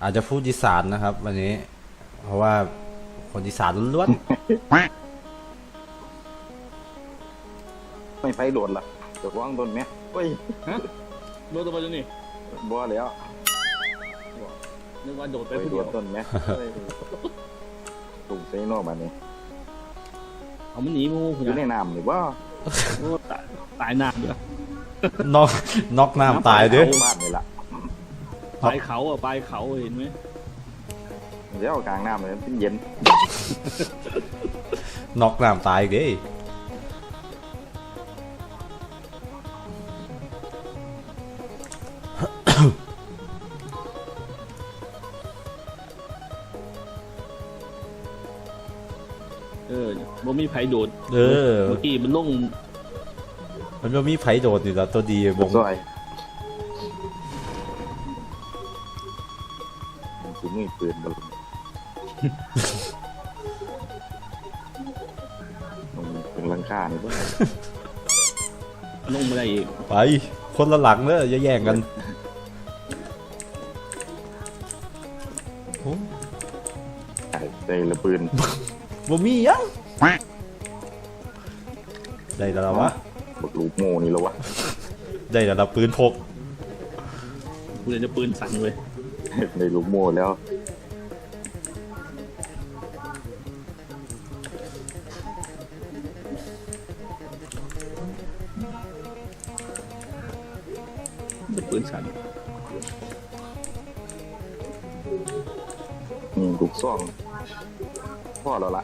อาจจะพูดอีสานนะครับวันนี้เพราะว่าคนอีสานล้วนไม่ไฟโดดล่ะเดี๋ยววางต้นไหมเฮ้ยฮะโดดตัวไปจนนี่บ่แล้วนึกว่าโดดไปไปผู้โดเดียดวต้นไหมตุ่มใส่นอกบ้านนี้เอามันหนีมูอยู่ในน้ำนี่ว่าโอ้ตายหนักเลยๆน็อกน้ำตายเด้อบ้านนี่ล่ะปลายเขาอ่ะปลายเขาเห็นไหมเดี๋ยวกลางน้ำเลยเป็นเย็นน็อกน้ำตายอีกเด้บ่มีไผโดดเออเมื่อกี้มันลงมันว่ามีไผโดดนี่ละตัวดีบงซอยถึงมือปืนบอลเป็นลังค่านี่บ่ลงไม่ได้อีกไปคนละหลังเด้ออย่าแย่งกันโอ้ใส่ละปืนบ่มียังได้แล้ววะบักลูกโม่นี่แล้ววะได้แล้วปืนพกกูเลยจะปืนสั่นเลยในลูกโม่แล้วจะปืนสั่นลูกซ่องพ่อแล้วล่ะ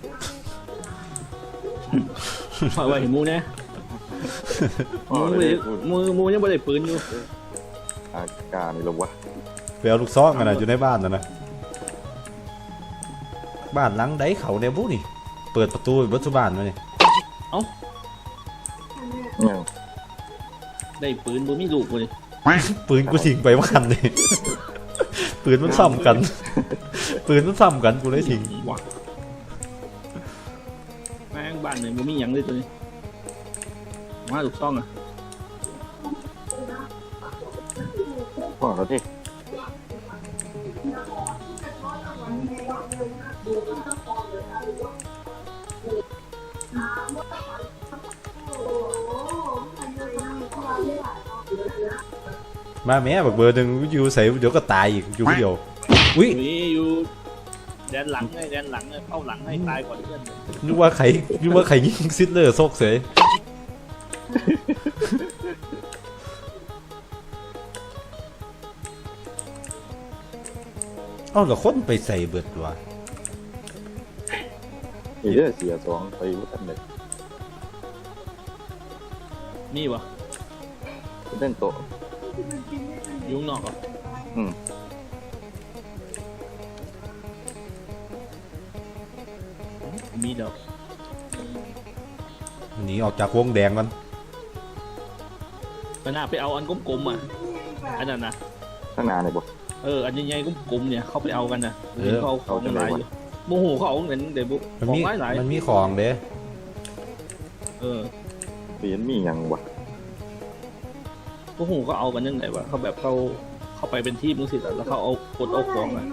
เพราะว่าเห็นมูนะพ่อมูเลยมูยังไม่ได้ปืนอยู่อากาศนี่แล้ววะไปเอาลูกซองกันนะอยู่ในบ้านนะบ้านหลังใดเขาเนี่ยบุนี่เปิดประตูบัตรบ้านมาเนี่ยยังได้ปืนบ่มีลูกเลยปืนกูทิ้งไปบ้านเลย ปืนมันซ้ำกัน ปืนมันซ้ำกันกูเลยทิ้งว้าแม่งบ้านไหนบ่มีหยังเลยตัวนี้มาลูกซ่องอ่ะพ่อแล้วที่มาแม่แบบเบอร์หนึ่งอยู่ใส่เดี๋ยวก็ตายอีกอยู่คนเดียวอุ้ยมีอยู่แดนหลังไงแดนหลังไงเข้าหลังให้ตายก่อนเพื่อนนึกว่าใครยิงซิดเลอร์ซกเสยเอ้าแล้วคนไปใส่เบิดวะเดี๋ยวเสียสองไปวัดอันเด็กมีวะเล่นโต๊ะยุ่งนอกเหรออืมมีเดี๋ยวหนีออกจากวงแดงกันไปหน้าไปเอาอันกลมๆอ่ะอันนั้นนะข้างหน้าเนี่ยบ่อันใหญ่ๆกลมๆเนี่ยเขาไปเอากันนะเห็นเขาเอาของหลายอยู่โมโหเขาเอาเงินเดี๋ยวมันของมีหลายมันมีของเด้เปลี่ยนมีหยังวะโมโหเขาเอากันยังไงวะเขาแบบเขาไปเป็นทีมมึงสิแล้วเขาเอากดเอาของอ่ะ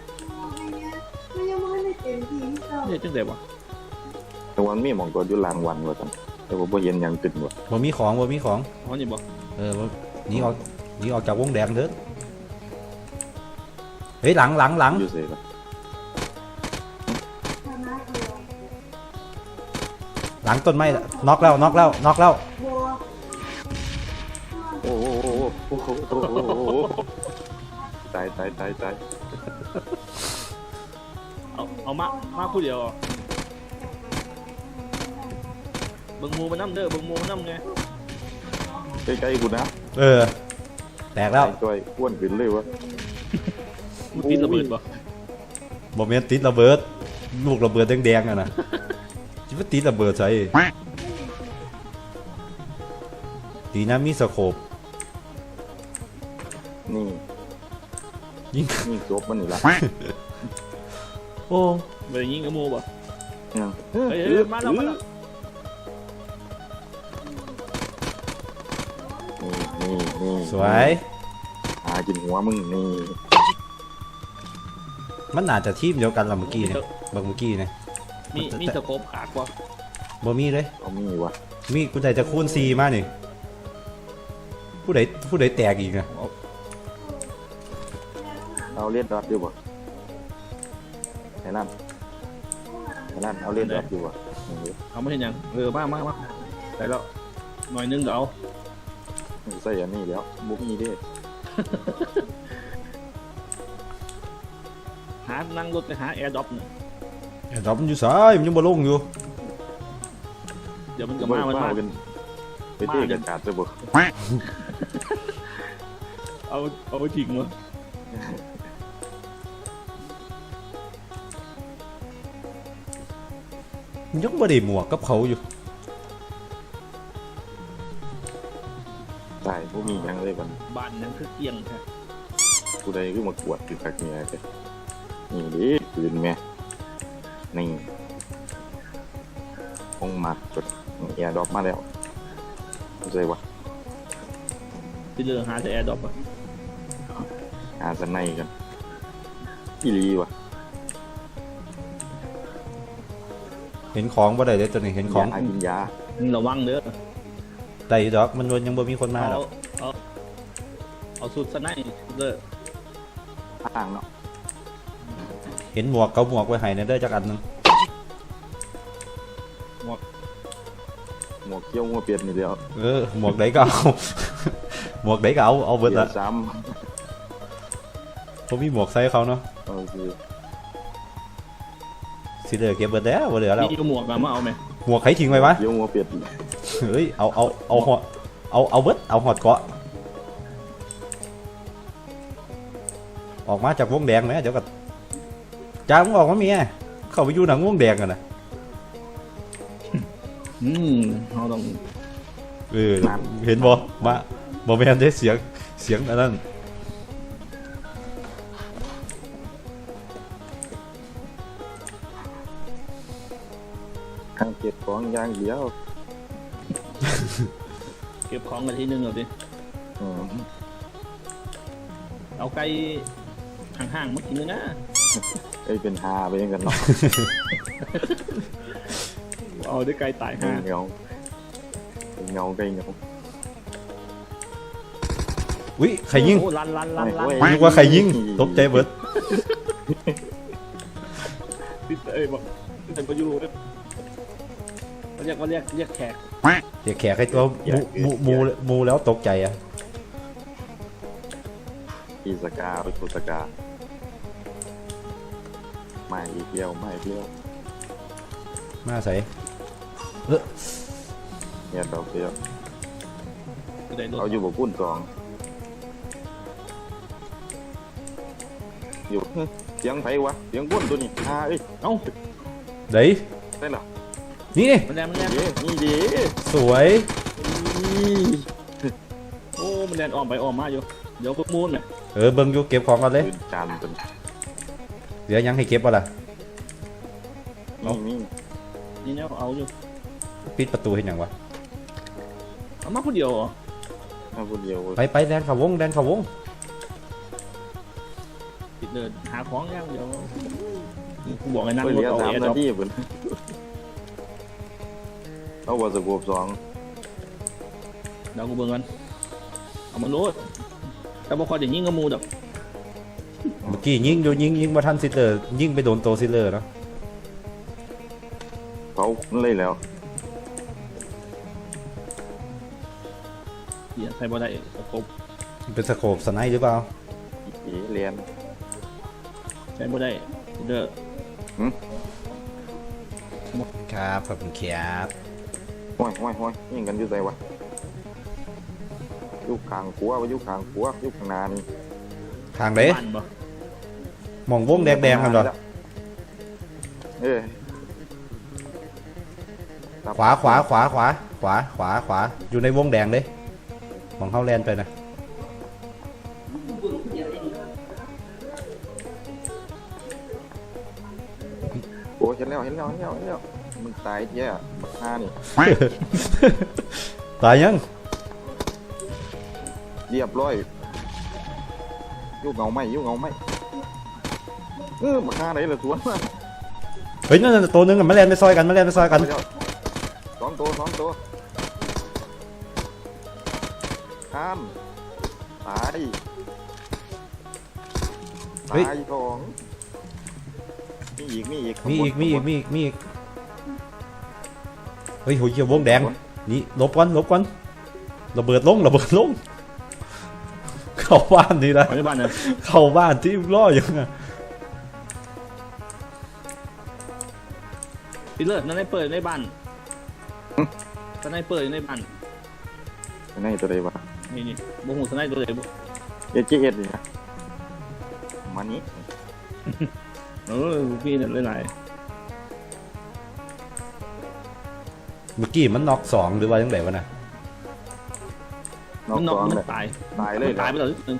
เนี่ยจังไดวะแต่วันมีหมองตัวอยู่ลางวันว่าซั่นแต่ว่าบ่เห็นหยังตึนวะบ่มีของบ่มีของอ๋อนี่บอกบ่หนีออกจากวงแดงเถอะเฮ้ยหลังอยู่เซ่ล่ะหลังต้นไม้น็อกแล้วโอ้โหโอ้โหโอ้โหโอ้โหตายเอามาคู่เดียวเบิ่งมูมันน้ำเด้อเบิ่งมูมันน้ำไงใกล้ๆกูนะแตกแล้วจ้อยอ้วนขึ้นเลยวะมันตีระเบิดปะบ่แม่นติดระเบิดลูกระเบิดแดงๆอ่ะนะจิว่าติดระเบิดใส่ดีนะมีสโคปนี่ยิงนี่จบมันนี่ละโอ้ไปยิงกับมูปะยังเฮ้ยมาแล้วนี่สวยหากินหัวมึงนี่มันน่าจะทีมเดียวกันละเมื่อกี้เนี่ยเมื่อกี้เนี่ยมีสโคปขาดกว่าบ่มีเลยเอามีวะมีกูได้จะคูณ4มานี่ผู้ใดแตกอีกนะเอาเลียดดอทอยู่บ่ไอ้นั่นเอาเลียดดอทอยู่บ่เอาไม่เห็นยังมาได้แล้วหน่อยนึงเดี๋ยวเอาใส่อันนี้แล้วบุกมีดิหานั่งรถไปหาแอร์ดรอปเนี่ยไอ้ดอกมันอยู่ซ้ายมันยังบ่ลงอยู่เดี๋ยวมันก็มากันไปเตะกันขาดจะบ่เอาไปทิ้งวะมันยังบ่ได้หมวกกับเขาอยู่ใส่บุกมียังเลยบันบ้านนั้นคือเกียงใช่ผู้ใดก็มากวดอยู่คักเนี่ยเลยนี่ดิปืนแม่นี่คงมาจดแอร์ดรอปมาแล้วใช่วะที่เรือหาแต่แอร์ดรอปอะหาสนในกันอีลีวะเห็นของบ่ได้เด้อตัวนี้เห็นของยากินยามึงระวังเด้อได้ดอกมันยังบ่มีคนมาหรอกเอาสุดสไนเด้ออ้างเนาะเห็นหมวกเขาหมวกไว้ให้ในเด้อจักอันหนึงหมวกเกี้ยวหัวเปียดนี่เดียวหมวกไหนก็เอา หมวกไหนก็เอาเบิดเปียละดซ้ผมมีหมวกใส่เขาเนาะำโอเคสิเหลือเก็บเบิดแล้วบ่เหลือแล้วนี่ก็หมวกมาเอาไหมหมวกใครทิ้งไว้วะเกี้ยวหัวเปียดเฮ้ยเอาหอดเอาเบิดเอาหอดเกาะออกมาจากวงแดงไหมเดี๋ยวก็จ้ามึงออกมาเมียเข้าไปอยู่หนังวงแดงกันนะเราต้องเห็นบ่แม่นได้เสียงอันนั้นทางเก็บของอย่างเดียวเก็บของกันทีนึงเอาดิอืมเอาไก่ห่างๆมากินเลยนะไอ้เป็นฮาไปยังกันเนาะเอาด้วยไก่ตายห่างเงาเงาไกลเงาอุ้ยใครยิงโอ้ลันนึกว่าใครยิงตกใจเบิดติดบอกติดประยูเขาเรียกแขกเดี๋ยวแขกให้ตัวมูแล้วตกใจอ่ะอีสกาไปทูสกาไม่อีเดียวไม่เดียวมาใส่เนี่ยดอกเดียวได้รถเอาอยู่บกุ้นสองอยู่เสียงไผวะเสียงกุ้นตัวนี้ฮาเอ้ยเอ้าเดี๋ยวได้เหรอนี่มันแรงนี่ดีสวยโอ้มันแรงออมไปออมมาอยู่เดี๋ยวพวกมูนเนี่ยเบิ่งอยู่เก็บของกันเลยปืนจานตัวเดี๋ยวยังให้เก็บบ่ล่ะนี่นี่เนี่ยเอาอยู่ปิดประตูให้หยังวะเอามาคนเดียวเหรอเอาคนเดียวไปแดนเขาวงติดเดินหาของย่างเดี๋ยวกูบอกไอ้นั่งไปรถเรียกเอา 3 แอร์ดรนาอปทีเพิ่นเอาว่าสกบ2 เดี๋ยวกูเบิ่งกันเอามาโน้ตแต่บอกคอยจะยิงกับมูดอกเมื่อกี้ยิงมาทันซิลเลอร์ยิงไปโดนโตซิลเลอร์เนาะเขาเลยแล้วเหี้ยใส่บ่ได้ครบเป็นสโคปสไนหรือเปล่าอีเรียนใส่บ่ได้เด้อครับขอบคุณครับห้อยยิงกันอยู่ไสวะอยู่ข้างขัวอยู่ข้างขัวอยู่ข้างหน้านี่ทางไหนบ้านบ่มองวงแดงๆกันเหรอ ขวาอยู่ในวงแดงเลยมองเข้าแลนไปนะโอ้เห็นแล้วมึงตายแย่บักฮานี่ตายยังเรียบร้อยอยู่เงาไหมมาฆ่าไหนล่ะสวนมาเฮ้ยนั่นตัวนึงอะมาแล่นไปซอยกันมาแล่นไปซอยกันสองตัวข้ามตายตายสองมีอีกมีอีกเฮ้ยโหเหี้ยวงแดงนี่หลบก่อนระเบิดลงเข้าบ้านนี่ละไปในบ้านเนี่ยเข้าบ้านที่ล่อยังไงพี่เลิศนั่นได้เปิดในบ้านนั่นได้เปิดในบ้านนี่ตัวใดวะนี่บ่หูสไนตัวไหนบ่เอเจนี่นะมันนี้พี่นั่นหลายเมื่อกี้มันน็อกสองหรือว่ายังไงวะนะมันนอกมันตายตายเลยตายไปแล้วนึง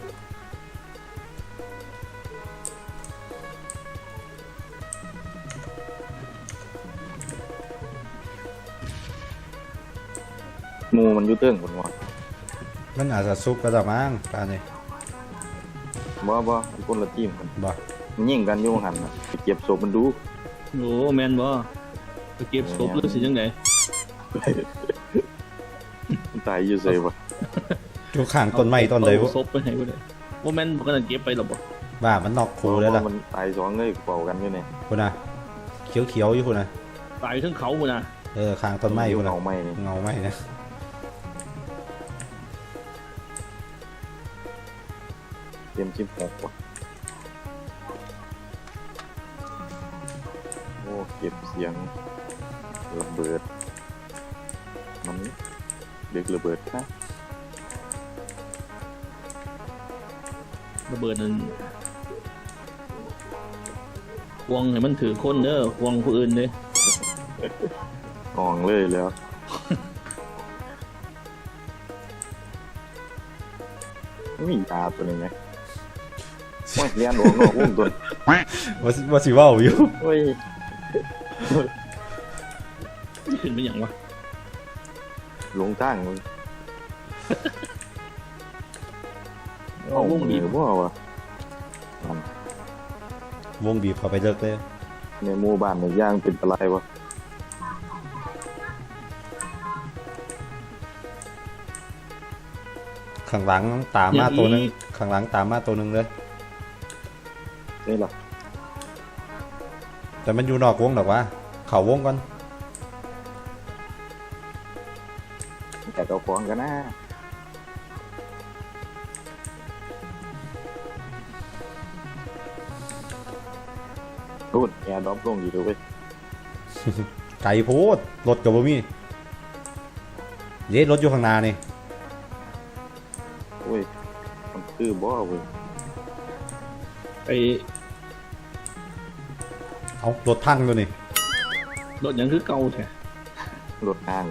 มูมันยุ่เติ้งคนวะมันอาจจะซุกก็ได้มั้งตาเนี่ยบ่คนละทีมกันบ่มันยิงกันอยู่หันนะไปเก็บศพมันดูโอ้แมนบ่ไปเก็บศพหรือสิจังไดมันตายอยู่ใส่วะอยู่ข้างต้นไม้ต้นใดศพไปให้บ่ได้บ่แม่นบ่กันเก็บไปหรอบ่บ้ามันน็อกคูแล้วล่ะมันตายสองเลยเป่ากันอยู่เนี่ยคุณนะเขียวอยู่คุณนะตายทั้งเขาพุ่นน่ะข้างต้นไม้คุณนะเอาไม้นี่เงาไม้นะเตรียม16วะโอ้เก็บเสียงระเบิดมันเด็กระเบิดนะระเบิดนั่นควงให้มันถือคนเด้อควงผู้อื่นเด้อ่องเลยแล้วมีตาตัวนี้ไหมโอ้ยเรียนหลวงนอกวงตัวว่าสิว่าวอยู่โอ้ยขึ้นเป็นหยังวะหลงทางมึงเอาวงบีบบ่วะมันวงบีบเข้าไปเลิกเลยในหมู่บ้านในย่างเป็นอะไรวะข้างหลังตามมาตัวนึงข้างหลังตามมาตัวนึงเลยนี่หรอแต่มันอยู่นอกวงหรอกวะเข่าวงก่อนแต่เอาของกันนะรุ่นแอร์ดรอปลงอยู่ด้วยเว้ยไก่โพดรถกับบ่มีเย็ดรถอยู่ข้างหน้านี่โอ้ยมันคือบ่เว้ยไปเอารถพังตัวนี่รถหยังคือเก่าแท้รถห้าง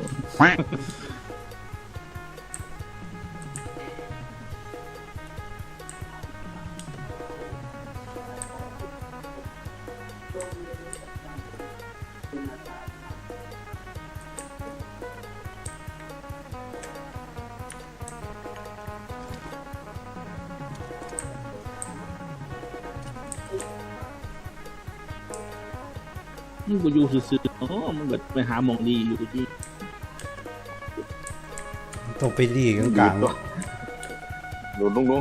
มันบ่อยู่ซื่อๆอ๋อมันแบบไปหาหมองดีอยู่ที่ต้องไปดีกลางโดนลง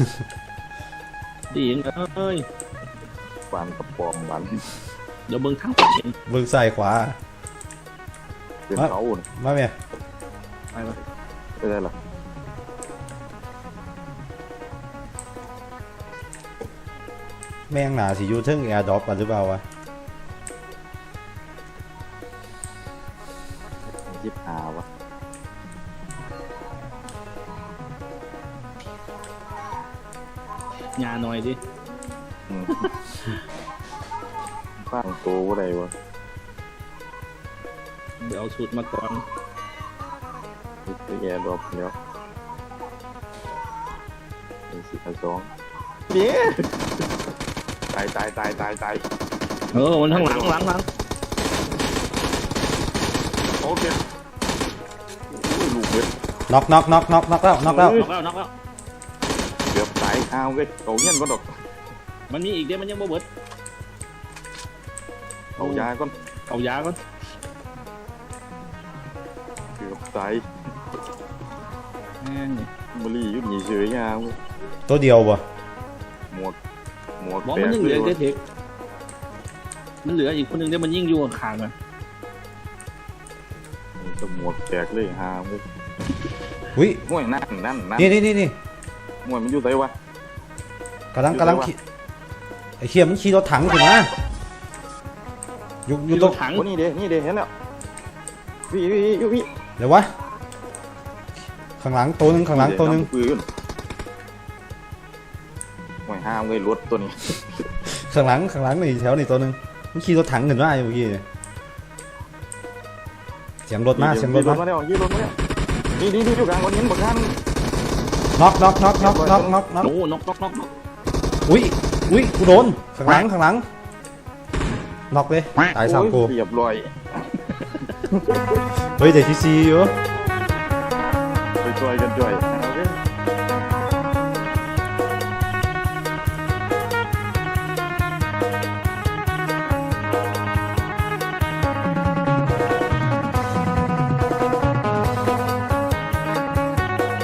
ดียังเอ้ยๆปานกับปอมบันเดี๋ยวเบิ่งทางไปเองเบื้องซ้ายขวาเป็นเขาน่ะมาเมียไปวะไม่ได้หรอแม่งหนาสิอยู่เทึ่งแอร์ดรอปกันหรือเปล่าวะยิบหาวะยาหน่อยดิอืมข้างโตว่าไรวะเดี๋ยวเอาสูตรมาก่อนคือแอร์ดรอปแล้วเป็น4,200เนี่ยตายมันข้างหลังโอเคโอ้ยลูกเบ็ดน็อกแล้วน็อกแล้วน็อกแล้วเกือบตายข้าวเว้ยโตเงี้ยนก็ดอกมันมีอีกเด้มันยังบ่เบิดเขายาก่อนเอายาก่อนเกือบตายแม่งบุหรี่ยุ่หนีเฉยยาเว้ยตัวเดียวบ่หมวกบอกแตมันกยังเหเลลือยวะเด็กมันเหลืออีกคนหนึงเดี๋ยวมันยิ่งอยู่ข้างๆมันนี่ก็หมวกแตกเลยฮาเว้ยอุ้ยห่วยนั่นนี่ห่วยมันอยู่ไหนวะกำลังขี่ไอ้เคียมันขี่รถถังถึงนะอยู่อยู่ตตรรง งถังโอ้นี่เด้เห็นแล้วพี่เดี๋ยววะข้างหลังตัวหนึงข้างหลังตัวหนึงปืนห่วยฮาเว้ยรถตัวนี้ข้างหลังนี่แถวนี่ตัวหนึงมันขี่รถถังขึ้นมาอยู่เมื่อกี้เนี่ยเสียงรถมาเสียงรถมาแล้วยี่รถมาแล้วนี่อยู่กลางคนนี้บักท่านน็อกโอ้นกอุ้ยกูโดนข้างหลังน็อกเลยตายสามกูเรียบร้อยเฮ้ยเดี๋ยวทีซีอยู่ไปช่วยกัน